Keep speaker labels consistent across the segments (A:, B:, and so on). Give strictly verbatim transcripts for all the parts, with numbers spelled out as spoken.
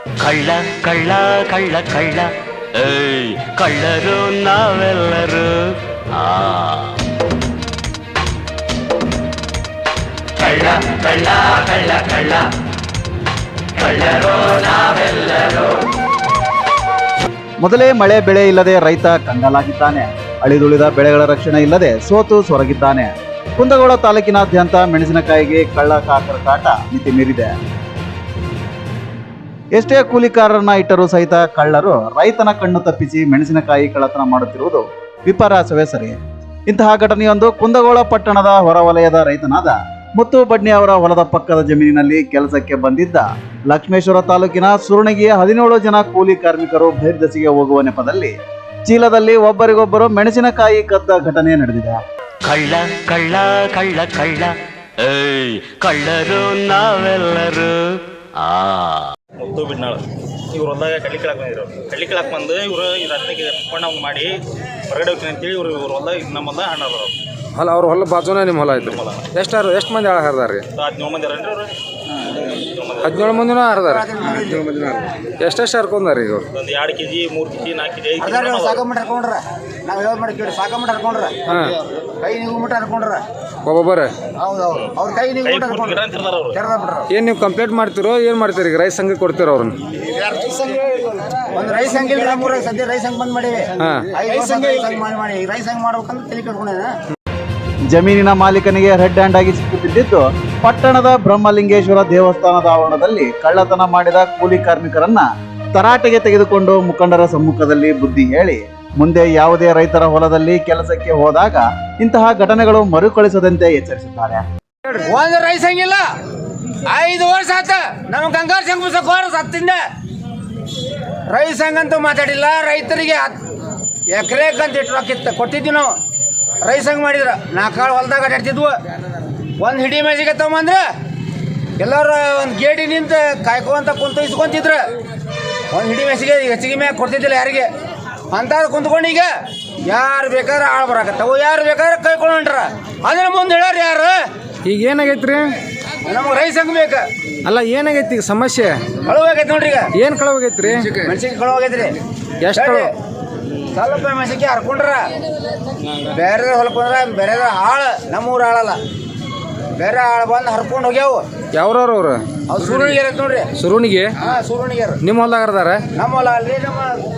A: ಕಳ್ಳ ಕಳ್ಳ ಕಳ್ಳ ಕಳ್ಳ ಏಯ್ ಕಳ್ಳರು ನಾವೆಲ್ಲರೂ. ಆ ಕಳ್ಳ ಕಳ್ಳ ಕಳ್ಳ ಕಳ್ಳ ಕಳ್ಳರು ನಾವೆಲ್ಲರೂ.
B: ಮೊದಲೇ ಮಳೆ ಬೆಳೆ ಇಲ್ಲದೆ ರೈತ ಕಂಗಾಲಾಗಿದ್ದಾನೆ. ಅಳಿದುಳಿದ ಬೆಳೆಗಳ ರಕ್ಷಣೆ ಇಲ್ಲದೆ ಸೋತು ಸೊರಗಿದ್ದಾನೆ. ಕುಂದಗೋಳ ತಾಲೂಕಿನಾದ್ಯಂತ ಮೆಣಸಿನಕಾಯಿಗೆ ಕಳ್ಳ ಕಾಕರ ಕಾಟ ಮಿತಿ ಮೀರಿದೆ. ಎಷ್ಟೇ ಕೂಲಿಕಾರರನ್ನ ಇಟ್ಟರೂ ಸಹಿತ ಕಳ್ಳರು ರೈತನ ಕಣ್ಣು ತಪ್ಪಿಸಿ ಮೆಣಸಿನಕಾಯಿ ಕಳ್ಳತನ ಮಾಡುತ್ತಿರುವುದು ವಿಪರ್ಯಾಸವೇ ಸರಿ. ಇಂತಹ ಘಟನೆಯೊಂದು ಕುಂದಗೋಳ ಪಟ್ಟಣದ ಹೊರವಲಯದ ರೈತನಾದ ಮುತ್ತು ಬಡ್ನಿ ಅವರ ಹೊಲದ ಪಕ್ಕದ ಜಮೀನಿನಲ್ಲಿ ಕೆಲಸಕ್ಕೆ ಬಂದಿದ್ದ ಲಕ್ಷ್ಮೇಶ್ವರ ತಾಲೂಕಿನ ಸುರುಣಿಗೆಯ ಹದಿನೇಳು ಜನ ಕೂಲಿ ಕಾರ್ಮಿಕರು ಬಹಿರ್ದೆಸೆಗೆ ಹೋಗುವ ನೆಪದಲ್ಲಿ ಚೀಲದಲ್ಲಿ ಒಬ್ಬರಿಗೊಬ್ಬರು ಮೆಣಸಿನಕಾಯಿ ಕದ್ದ ಘಟನೆ ನಡೆದಿದೆ.
A: ಕಳ್ಳ ಕಳ್ಳ ಕಳ್ಳ ಕಳ್ಳ ಏಯ್ ಕಳ್ಳರು ನಾವೆಲ್ಲರೂ. ಆ
C: ಮುತ್ತು ಬಿಡ್ನಾಳು ಇವ್ರು ಹೊಲ್ದಾಗ ಕಡ್ಲಿ ಕೀಳಾಕ್ ಬಂದಿದ್ರು. ಕಡ್ಲಿ ಕೀಳಾಕ್ ಬಂದು ಇವರು ಈ ರತ್ನಕ್ಕೆ ಕೊಂಡ ಮಾಡಿ ಹೊರಗಡೆ ಹೋಗ್ತೀನಿ ಅಂತೇಳಿ ಇವ್ರು ಇವ್ರ ಹೊಲ್ದಾಗ ನಮ್ಮ ಹೊಲ್ದಾಗ ಹಣ್ಣು ಅದಾರ.
D: ಅಲ್ಲ ಅವ್ರ ಹೊಲ ಬಾಜುನೇ ನಿಮ್ಮ ಹೊಲ ಐತ್ರಿ. ಎಷ್ಟು ಎಷ್ಟು ಮಂದಿ ಆಳ ಹರಿದಾರ ರೀ?
C: ಹದಿನೇಳು ಮಂದಿ ಅರೇನ್ರಿ ಅವರು?
D: ಹದಿನೇಳು ಮಂದಿನೂ ಹರಿದಾರ. ಎಷ್ಟೆಷ್ಟು ಹರ್ಕೊಂಡಾರ ಈಗ ಅವ್ರು?
C: ಒಂದು ಎರಡು ಕೆ ಜಿ ಮೂರು ಕೆ ಜಿ ನಾಲ್ಕು ಕೆ ಜಿ ಐದು
E: ನಾವು ಯಾವ್ದು ಮಾಡಿ ಕೇಳಿ ಸಾಕಮಟ್ಟ ಹರ್ಕೊಂಡ್ರ
D: ಹಾಂ
E: ಕೈ ನೀವು ಮುಟ್ಟ ಹರ್ಕೊಂಡ್ರ
D: ಒಬ್ಬೊಬ್ಬರೇ.
E: ಹೌದು ಹೌದು ಅವ್ರ ಕೈ ನೀವು ಮುಟ್ಟ ಹರ್ಕೊಂಡ್ರ
D: ಏನು ನೀವು ಕಂಪ್ಲೇಂಟ್ ಮಾಡ್ತಿರೋ ಏನು ಮಾಡ್ತೀರಿ? ಈಗ ರೈತ ಸಂಘಕ್ಕೆ ಕೊಡ್ತೀರ ಅವ್ರನ್ನ?
E: ಒಂದು ರೈಸ್ ಸಂಘ ಇಲ್ಲ ಮೂರ ಸದ್ಯ ರೈಸ್ ಸಂಘ ಬಂದ್ ಮಾಡಿವಿ.
D: ಹಾಂ
E: ಐದು ಸಂಘ ಮಾಡಿ ಮಾಡಿ ರೈಸ್ ಸಂಘ ಮಾಡ್ಬೇಕಂತ ತಲೆ ಕಟ್ಕೊಂಡ.
B: ಜಮೀನಿನ ಮಾಲೀಕನಿಗೆ ರೆಡ್ ಹ್ಯಾಂಡ್ ಆಗಿ ಸಿಕ್ಕಿಬಿದ್ದಿದ್ದು ಪಟ್ಟಣದ ಬ್ರಹ್ಮಲಿಂಗೇಶ್ವರ ದೇವಸ್ಥಾನದ ಆವರಣದಲ್ಲಿ ಕಳ್ಳತನ ಮಾಡಿದ ಕೂಲಿ ಕಾರ್ಮಿಕರನ್ನ ತರಾಟೆಗೆ ತೆಗೆದುಕೊಂಡು ಮುಖಂಡರ ಸಮ್ಮುಖದಲ್ಲಿ ಬುದ್ಧಿ ಹೇಳಿ ಮುಂದೆ ಯಾವುದೇ ರೈತರ ಹೊಲದಲ್ಲಿ ಕೆಲಸಕ್ಕೆ ಹೋದಾಗ ಇಂತಹ ಘಟನೆಗಳು ಮರುಕಳಿಸದಂತೆ ಎಚ್ಚರಿಸಿದ್ದಾರೆ.
E: ಒಂದು ರೈಸ್ ಸಂಘ ಇಲ್ಲ, ಐದು ವರ್ಷ ಆತ ನಮ್ಮ ಗಂಗಾರ ಸಂಘ ಮುಸಕೋರ ಸತ್ತಿಂದ ರೈಸ್ ಸಂಘ ಅಂತೂ ಮಾತಾಡಿಲ್ಲ. ರೈತರಿಗೆ ಎಕರೆಗಂತ ಇಟ್ಟು ರೊಕ್ಕಿತ್ತು ಕೊಟ್ಟಿದ್ವಿ ನಾವು. ರೈಸ್ ಸಂಘ ಮಾಡಿದ್ರ ನಾಲ್ಕಾಳು ಹೊಲ್ದಾಗ ಅಡ್ಡಾಡ್ತಿದ್ವು. ಒಂದು ಹಿಡಿ ಮೇಜಿಗೆ ತಗೊಂಬಂದ್ರೆ ಎಲ್ಲರೂ ಒಂದು ಗೇಡಿ ನಿಂತು ಕಾಯ್ಕೊಂತ ಕುಂತು ಇಸ್ಕೊಂತಿದ್ರು. ಒಂದು ಹಿಡಿ ಮೇಸಿಗೆ ಹೆಚ್ಚಿಗೆ ಮ್ಯಾಗ ಕೊಡ್ತಿದ್ದಿಲ್ಲ ಯಾರಿಗೆ ಅಂತ ಕುಂತ್ಕೊಂಡು ಈಗ ಯಾರು ಬೇಕಾದ್ರೆ ಆಳು ಬರಾಕತ್ತವು, ಯಾರು ಬೇಕಾದ್ರೆ ಕೈಕೊಂಡು ಹೊಂಟ್ರ. ಅದನ್ನ ಮುಂದೆ ಹೇಳ್ಯಾರ ಯಾರು?
D: ಈಗ ಏನಾಗೈತ್ರಿ?
E: ನಮಗೆ ರೈಸ್ ಸಂಘ ಬೇಕು.
D: ಅಲ್ಲ ಏನಗೈತಿ ಈಗ ಸಮಸ್ಯೆ?
E: ಕಳುವಾಗೈತಿ ನೋಡ್ರಿ. ಈಗ
D: ಏನು ಕಳುವಾಗೈತ್ರಿ?
E: ಮೆಣಸಿಗೆ ಕಳುವಾಗೈತ್ರಿ.
D: ಎಷ್ಟು ಕಳು?
E: ಸ್ವಲ್ಪ ಮೆಣಸಿಗೆ ಹರ್ಕೊಂಡ್ರ ಬೇರೆ ಹೊಲಕ್ಕೆ ಬಂದ್ರೆ ಬೇರೆ ಆಳು ನಮ್ಮೂರು ಆಳಲ್ಲ, ಬೇರೆ ಆಳು ಬಂದು ಹರ್ಕೊಂಡು ಹೋಗ್ಯಾವು.
D: ಯಾವ್ರವ್ರು ಅವ್ರು?
E: ಅವ್ರು ಸೂರ್ಯನಿಗೆ ನೋಡ್ರಿ.
D: ಸುರುಣಿಗೆ?
E: ಹಾಂ ಸೂರ್ಯನಿಗೆ.
D: ನಿಮ್ಮ ಹೊಲ್ದಾಗ ಹರಿದಾರ?
E: ನಮ್ಮ ಹೊಲ ಅಲ್ರಿ, ನಮ್ಮ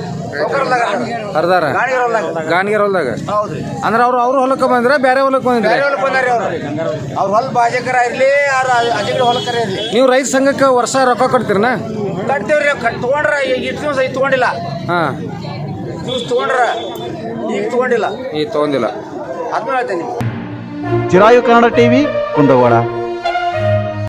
D: ಹರಿದಾರ ಗಾಣಿಗೆರ ಹೊಲ್ದಾಗ.
E: ಹೌದ್ರಿ.
D: ಅಂದ್ರೆ ಅವ್ರು ಅವ್ರ ಹೊಲಕ್ಕೆ ಬಂದ್ರೆ ಬೇರೆ ಹೊಲಕ್ಕೆ ಬಂದ್ರೆ
E: ಬೇರೆ ಹೊಲಕ್ಕೆ ಬಂದಾರಿ ಅವ್ರು. ಅವ್ರ ಹೊಲ ಬಾಜಕರ ಇರ್ಲಿ, ಅವ್ರ ಅಜಗರ ಹೊಲಕರ ಇರ್ಲಿ.
D: ನೀವು ರೈತ ಸಂಘಕ್ಕೆ ವರ್ಷ ರೊಕ್ಕ ಕೊಡ್ತೀರನ?
E: ಕಟ್ತೇವ್ರಿ. ಕಟ್ ತೊಗೊಂಡ್ರ ಈಗ ಇಷ್ಟು ದಿವಸ ಈಗ ತೊಗೊಂಡಿಲ್ಲ.
D: ಹಾಂ
E: ದಿವಸ ತೊಗೊಂಡ್ರ ಈಗ ತೊಗೊಂಡಿಲ್ಲ.
D: ಈಗ ತೊಗೊಂಡಿಲ್ಲ.
E: ಅದನ್ನ ಹೇಳ್ತೇನೆ.
B: ಚಿರಾಯು ಕನ್ನಡ ಟಿವಿ ಕುಂದಗೋಳ.